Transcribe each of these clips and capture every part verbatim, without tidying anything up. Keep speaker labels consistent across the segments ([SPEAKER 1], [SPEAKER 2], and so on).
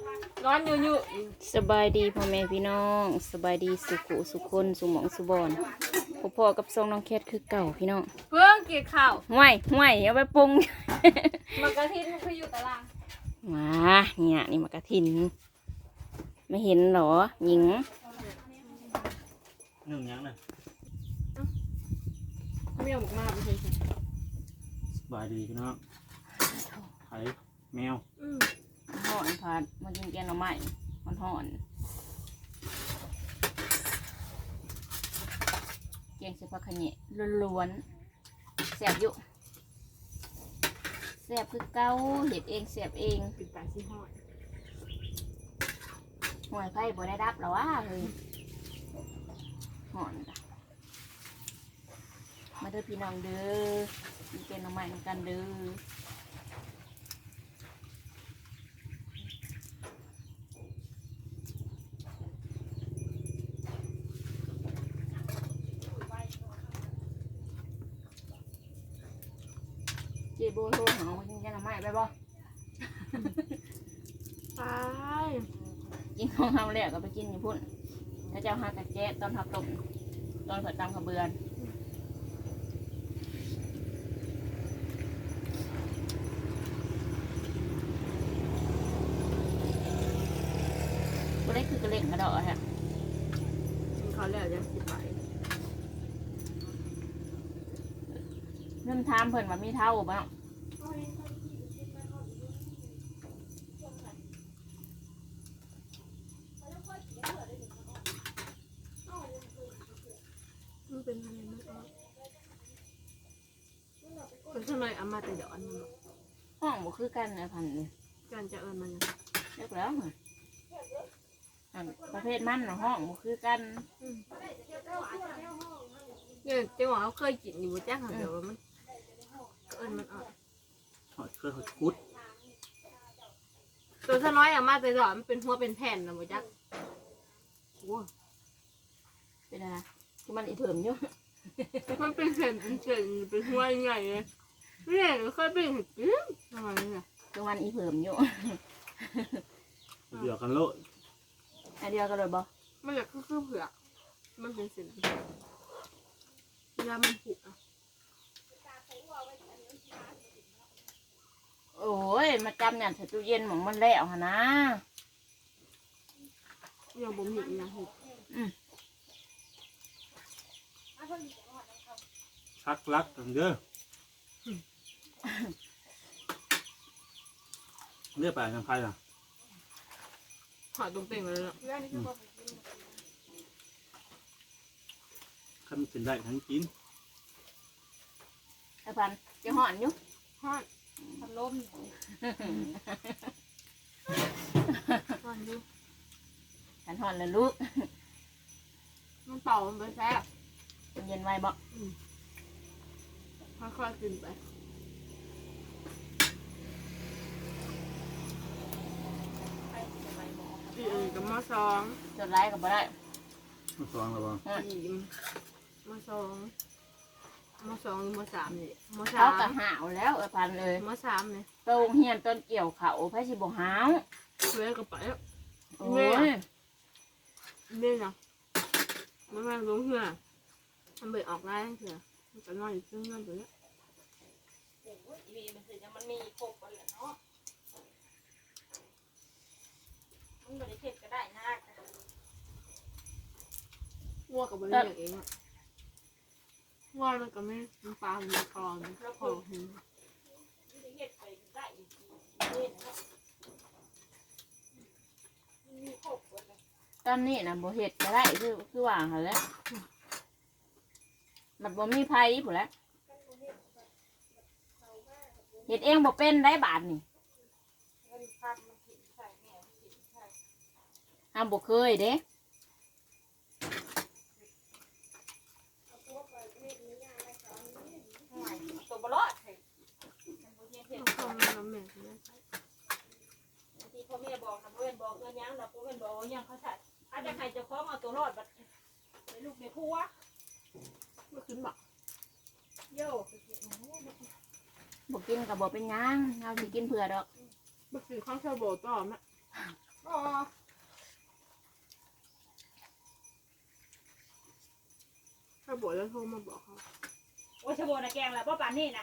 [SPEAKER 1] ร้อนอยู่อยู่
[SPEAKER 2] สบายดีพ่อแม่พี่น้องสบายดีสุขุสุคนสุหมองสุบอนพ่อๆกับทรงน้องแคทคือเก่าพี่น้อง
[SPEAKER 1] เพื่องเกี่ยวข่าว
[SPEAKER 2] ห่วยห่วยเอาไปปรุง
[SPEAKER 1] มันกระทินมันคืออยู่ตาราง
[SPEAKER 2] มาเนี่ยนี่มากระถินไม่เห็นเหรอหญิง
[SPEAKER 3] หนึ่งยังเลย
[SPEAKER 1] ไม่เอาหมกมาไม่ใช่ใช่
[SPEAKER 3] สบายดีพี่น้องไข่แมว
[SPEAKER 1] อืม
[SPEAKER 2] ห่อนผัดมากินแกงหน่อไม้มันห่อนแกงเสผักขะเหนะล้วนๆแซ่บอยู่แซ่บคือเก้าเห็ดเองแซ่บเอง
[SPEAKER 1] ปิดตาชี้ห้อย
[SPEAKER 2] หวยไผ่บ่ได้รับหรอวะเฮ้ยห่อนจ้ะมาเด้อพี่น้องเด้อกินแกงหน่อไม้นำกันเด้อเจโบโทรหาว่ากินแกงหน่อไม้ไปบ่
[SPEAKER 1] ไป
[SPEAKER 2] กินของเฮาแล้วก็ไปกินอยู่พุ่นถ้าเจ้าหากระแจ๊ะตอนหักตกตอนเผิดตามขบเบือนก็ได้คือกระเล่งกระดอกฮะ
[SPEAKER 1] เขาแล้วจะสิไป
[SPEAKER 2] เริ่มถามเพิ่นว่ามีเท่าบ่
[SPEAKER 1] มันเป็นอะไรนะคนข้างในเอามาแต่เดี๋ยวอันนี้
[SPEAKER 2] ห้องบ่คือกันนะพันเลย
[SPEAKER 1] การจะเอิญมัน
[SPEAKER 2] เรียกแล้วเหรออันประเภทมันน่ะห้องบ่คือกัน
[SPEAKER 1] เนี่ยเจ้าว่าเขาเคยกินอยู่จ้าค่ะเดี๋ยวมันเอิญมันอ่อน
[SPEAKER 3] หอยเคยหอยคุด
[SPEAKER 1] ตัวสน้อยเอามาแต่เดี๋ยวมันเป็นหัวเป็นแผ่นนะบ่จ้าโอ้
[SPEAKER 2] เป็นอะไรคือมันอีเพิ่มอยู่
[SPEAKER 1] มันเป็นแผ่นเป็นเฉนเป็นหัวใหญ่เลยเนี่ยเคยเป็นเห็ดปิ้งทำไมเนี่ย
[SPEAKER 2] คือมันอีเพิ่มอยู่
[SPEAKER 3] เดี๋ยวกันโลด
[SPEAKER 2] อันเดียวกันเลยบ่
[SPEAKER 1] มันจะคือคือเผือกมันเป็นเส้นเวลามันผุอ่ะ
[SPEAKER 2] โอ้ยมาจำเนี่ยใส่ตู้เย็นหมองมันแล้วหะนะ
[SPEAKER 1] ยังบ่มีอีกอย่างเห็ด
[SPEAKER 3] ชักลักกันเด้อเรียกไปทางใครล่ะ
[SPEAKER 1] หอยตรงเต่งเลยเนาะ
[SPEAKER 3] ขั้นเป็นได้ทั้งกิน
[SPEAKER 2] ไอ้พันจะห่อนอยู่
[SPEAKER 1] หอยพัดลมหอยดู
[SPEAKER 2] ขันห่อนเลยลูก
[SPEAKER 1] มันเป่ามันไปแซ่บ
[SPEAKER 2] มันเย็นไว้บ่
[SPEAKER 1] ค่อยๆกินไปอีเอ็นกับมะซอง
[SPEAKER 2] จดไล่ก็บ่ได้
[SPEAKER 3] มาสองแล้วบ่
[SPEAKER 2] ห่อน
[SPEAKER 1] อีมะซองมะซองหรือมะสามนี่มะสา
[SPEAKER 2] เขา
[SPEAKER 1] ม
[SPEAKER 2] ก็หาวแล้วไอ้พันเลย
[SPEAKER 1] มะสามนี่
[SPEAKER 2] โตรงเฮียนต้นเกี่ยวเขาไผสิบ่หาว
[SPEAKER 1] เว้ยก็ไปแล้ว
[SPEAKER 2] โอ้ย
[SPEAKER 1] นี่เนาะมันมาลงเหือมันเบิดออกได้เถื่อมันก็นอนอยู่ซึ่งนั่นตัวเนี้ย
[SPEAKER 2] มันมีครบกันเนาะมันบ่ได้เฮ็ดก็ได้นะ
[SPEAKER 1] วัวกับบริเวณเองอะวัวมันก็ไม่มันปลามันคลองแล้วพอเห็น
[SPEAKER 2] เฮ็ดไปได้อีกนี่นะมีครบกันตอนนี้นะบ่เฮ็ดก็ได้คือคือว่าหั่นแหละมันบ่มีไผพุ่นแหละเฮ็ดเองบ่เป็นได้บาทนี่ห้ามบ่เคยเด้ ตัวบลอดเฮ้ย
[SPEAKER 1] ต้องทำน้ำแม่เนี่ย
[SPEAKER 2] ที่พ่อแม่บอกนะพ่อแม่บอกเงินยังเราพ่อแม่บอกยังเขาใส่อาจจะใครจะคล้องเอาตัวรอดบัดในลูกในผัว
[SPEAKER 1] ไม่ขึ้นบัก
[SPEAKER 2] โย่บอกกินกับบอกเป็นยังเราสิกินเผื่อดอก
[SPEAKER 1] บักสีข้าวเชาโบต่อมะ
[SPEAKER 2] อ๋อ
[SPEAKER 1] ถ้าบอกแล้วโทรมาบอกเขา
[SPEAKER 2] โอ้ยชะโบนะแกงแล้วป้าปานนี่นะ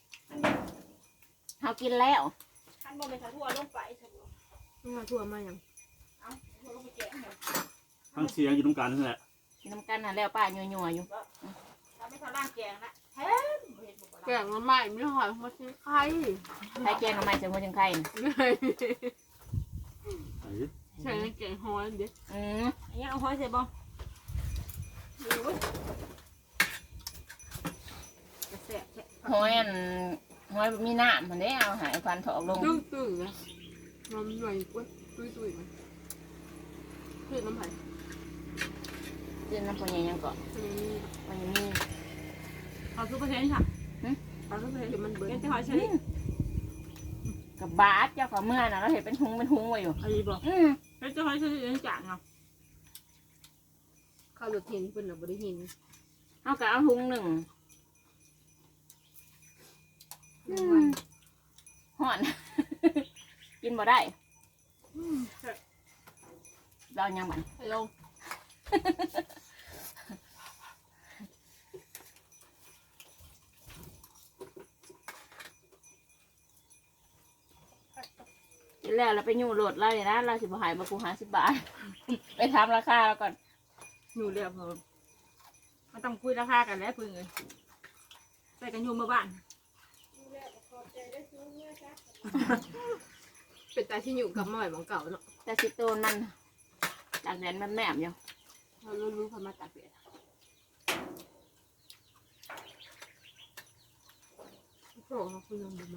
[SPEAKER 4] เขากินแล้ว
[SPEAKER 2] ท่านบอกเป็นชาทั่วลงไปชะโบ
[SPEAKER 1] ไม่มาทั่วมาอย่าง
[SPEAKER 2] เอาทั่วลงไปแกงเหรอ
[SPEAKER 3] ทั้งเสียงอยู่ตรงกลางนั่นแหละ
[SPEAKER 4] กินน้ำกันน่ะแล้วป้ายัวยัวๆอยู่
[SPEAKER 2] ถ้าไม่ทำร่างแกงนะแท้บ่เห็นบอก
[SPEAKER 1] แก
[SPEAKER 2] ว่า
[SPEAKER 1] งมันใหม่ไม่หอยมาซื้อไข่
[SPEAKER 4] ใครแกงทำไมจะมาจังไข่น่ะ
[SPEAKER 3] ไอ้
[SPEAKER 1] ใช่แกงหอยเด็ด
[SPEAKER 4] อืม
[SPEAKER 2] อันนี้เอาห้อยใส่บ่โอ้ยกระแสะแท้
[SPEAKER 4] หอยอันหอยมีน้ำมันได้เอาหายควันถอกลง
[SPEAKER 1] ตึ้งตึ้งนะมันหน่อยกว่าตุ้ยตุ้ยมันคือน้ำไผ่
[SPEAKER 4] กินน้ำปลายังเกาะ
[SPEAKER 1] อันนี้
[SPEAKER 4] มันยังมี
[SPEAKER 2] เอาซุปเปอร์เทนค่ะ
[SPEAKER 1] เอาทุกเพลงมันเบิร์
[SPEAKER 2] เป็น
[SPEAKER 1] น
[SPEAKER 2] ที่หอยเชอรี่
[SPEAKER 4] กับบาสเจ้าของเมื่อน่ะเราเห็นเป็นหุงเป็นหุงไว้อยู่
[SPEAKER 2] อันนี้บอก
[SPEAKER 4] อืม
[SPEAKER 2] เป็นที่หอยเชอรี่เป็นจานเนาะ
[SPEAKER 1] ข้าวรถเห็นเป็นหรือบริหิน
[SPEAKER 4] เอากะเอาหุงหนึ่งอืมห่อน กินบ่ได้เรายังบัน
[SPEAKER 1] ฮัลโหล
[SPEAKER 4] กินแล้วเราไปอยู่โหลดเราเลยนะเราสิบหายมากูหาสิบบาท ไปทำราคาแล้วก่อน
[SPEAKER 2] อยู่เรียบเพิ่มมันต้องคุยราคากันแล้วพึ่งเลยใส่กันอยู่เมื่อบ้าน
[SPEAKER 1] เป็นตาที่อยู่กับมาใหม่ของเก่าเนาะ
[SPEAKER 4] แต่สิโตนมันตากแดดมันแหนมอยู่
[SPEAKER 1] เรารู้รู้เขามาตัดเปลี่ยนโอ้โหเขาคุณลงมา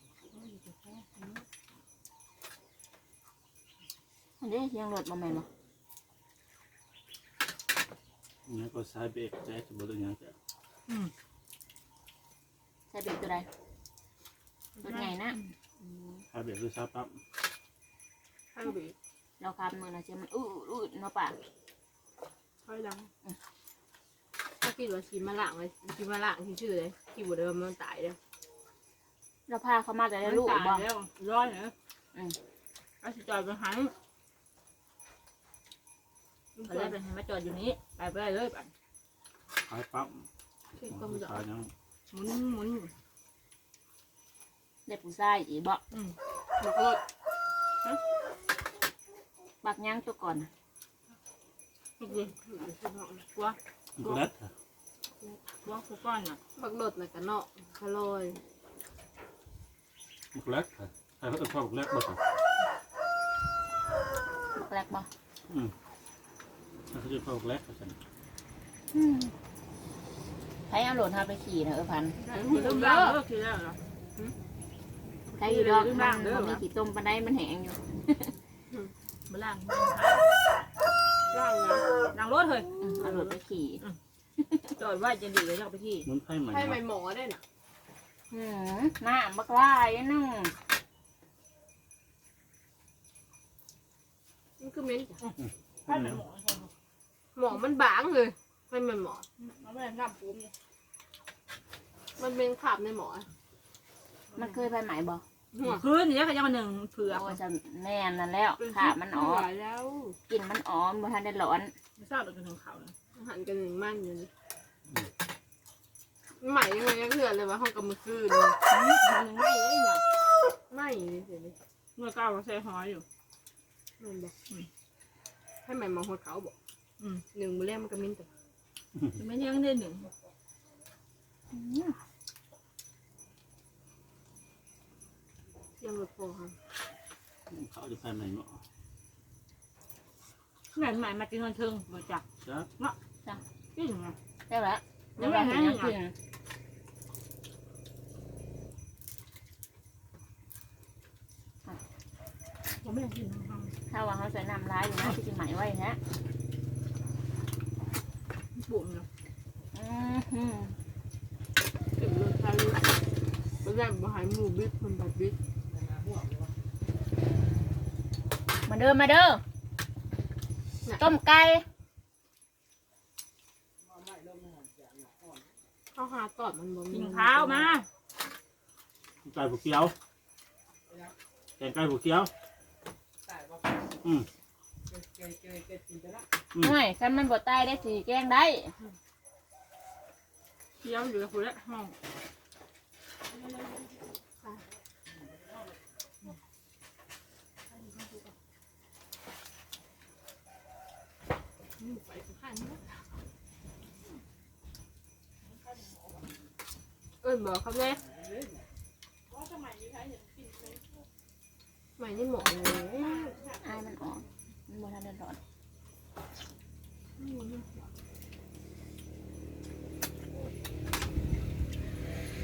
[SPEAKER 4] อันนี้ยังโหลดมาใหม่บ่
[SPEAKER 3] เนี่ยก็สายเบรกแจ๊จะบอกเลยเนี่ยจะ
[SPEAKER 4] ใส่เบรกตัวใดรถไงนะ
[SPEAKER 3] สายเบรกคือสายปั๊บ
[SPEAKER 1] ข้างบี
[SPEAKER 4] เราคำมือนะเชื่อมันอื้ออื้อเนาะป่ะ
[SPEAKER 1] ค่อยดังถ้าคิดว่าชีมาล่างเลยชีมาล่างที่ชื่อเลยที่บุเดิมมันตายเลย
[SPEAKER 4] เราพาเขามาแต่ได้ลูกบ่
[SPEAKER 2] แล้วร้อยเหรอ
[SPEAKER 4] อืม
[SPEAKER 2] เอาสิจอดไปหันก็เลยไปหันมาจอดอยู่นี้ไปไปได้เลยไป
[SPEAKER 3] สายปั๊บ
[SPEAKER 1] ที่ต้มดอก
[SPEAKER 3] สายยัง
[SPEAKER 2] หมุนหมุนอยู่
[SPEAKER 4] ได้ผู้ชายอีบ่
[SPEAKER 2] อืม
[SPEAKER 1] มันก็
[SPEAKER 4] บักย่างตัวก่อนน่ะ
[SPEAKER 2] ทุกทีกลัว
[SPEAKER 3] มันก็เล็ดค่ะ
[SPEAKER 2] กลัวกูก้อนน่ะ
[SPEAKER 1] บักโดดเลยกันเนาะคาลอย
[SPEAKER 3] มันก็เล็ดค่ะใครเขาต้องเข้าเล็ดบ่ค่ะ
[SPEAKER 4] บักแรกบ่
[SPEAKER 3] อืมถ้าเขาจะเข้าเล็ดก็ฉัน
[SPEAKER 4] อืมใครเอาโหลดพาไปขี่นะเออพัน
[SPEAKER 2] คือเริ่มล่างเลิกคือแล้วเหรอ
[SPEAKER 4] ใครอยู่ดอกมันมันมีขี่ต้มปลาได้มันแห้งอยู่
[SPEAKER 2] มาล่าง
[SPEAKER 1] ล่างนะ
[SPEAKER 2] ล่างรถเลย
[SPEAKER 4] อืมเอาโหลดไปขี่
[SPEAKER 2] จอดไว้จะดีเลยจะไปที่
[SPEAKER 3] มันไพ่ใหม่
[SPEAKER 1] ให้ใหม่หมอได้น่ะ
[SPEAKER 4] อืมหน้าบักลายนึง
[SPEAKER 1] มันคือเม้นจ้ะ
[SPEAKER 2] ให้มันหมอ
[SPEAKER 1] หมอมันบางเลยให้ใหม่หมอ
[SPEAKER 2] มันไม่ได้น้ำปูม
[SPEAKER 1] มันเป็นขาบในหมอ
[SPEAKER 4] มันเคยไปไหมบ่
[SPEAKER 1] หัว
[SPEAKER 2] คืนนี้ก็ยังมาหนึ่งเผือก
[SPEAKER 4] โอ้ยจะแน่นนั่นแล้วขามันอ๋อ
[SPEAKER 1] หลายแล้ว
[SPEAKER 4] กินมันอ๋อมบ่ทันได้ร้อน
[SPEAKER 2] ไม่ทราบเราเป็นของเขาเลย
[SPEAKER 1] หันกันหนึ่งมั่นอยู่นี่ใหม่ยังไงก็เถื่อนเลยว่าห้องกำมือคืน
[SPEAKER 2] หนึ่งไม่เลยเนี่ย
[SPEAKER 1] ไม่เลยเสียเลย
[SPEAKER 2] เมื่อก้าวใส่หอยอยู่
[SPEAKER 1] มันบอกให้ใหม่มองหัวเขาบอก
[SPEAKER 2] อืม
[SPEAKER 1] หนึ่งมือแรกมันก็มิ้นแต่
[SPEAKER 2] ไม่ยังได้หนึ่ง
[SPEAKER 4] อืม
[SPEAKER 1] ยังรถพอครับ
[SPEAKER 3] เขาจะไพ่ใหม่เนาะ
[SPEAKER 2] แม่ใหม่มากินคนเชิงมาจับ
[SPEAKER 3] จ้า
[SPEAKER 2] กินไง
[SPEAKER 4] ได้แล้วได้แล้วเห็นยังกิน
[SPEAKER 2] ผมไม่ได้กินของเขา
[SPEAKER 4] ถ้าว่าเขาใส่น้ำร้ายอยู่นะที่จะไหมไว้ฮะ
[SPEAKER 2] บุ๋มเนาะ
[SPEAKER 4] อืมอืม
[SPEAKER 1] เก็บรถไฟรถแรกมาหายหมูบิ๊กมันแบบบิ๊ก
[SPEAKER 4] มาเด้อมาเด้อต้มไก่
[SPEAKER 1] ข้าวหาตอดมันบ่
[SPEAKER 2] กินข้าวมา
[SPEAKER 3] ไก่ผูกเกี้ยวแกงไก่ผูกเกี้ยวอืม
[SPEAKER 4] ไม่คันมันบ่ตายได้สิแกงได้
[SPEAKER 1] เคี้ยวอยู่กับคุณละห้องไปข้างนี้เอ้ยบอกเขาเลยใหม่นี่หมดเลย
[SPEAKER 4] อายมันออกมันบ่ทันได้ร้อน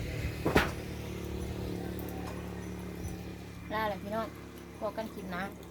[SPEAKER 4] ลาเลยพี่น้องพอกันกินนะ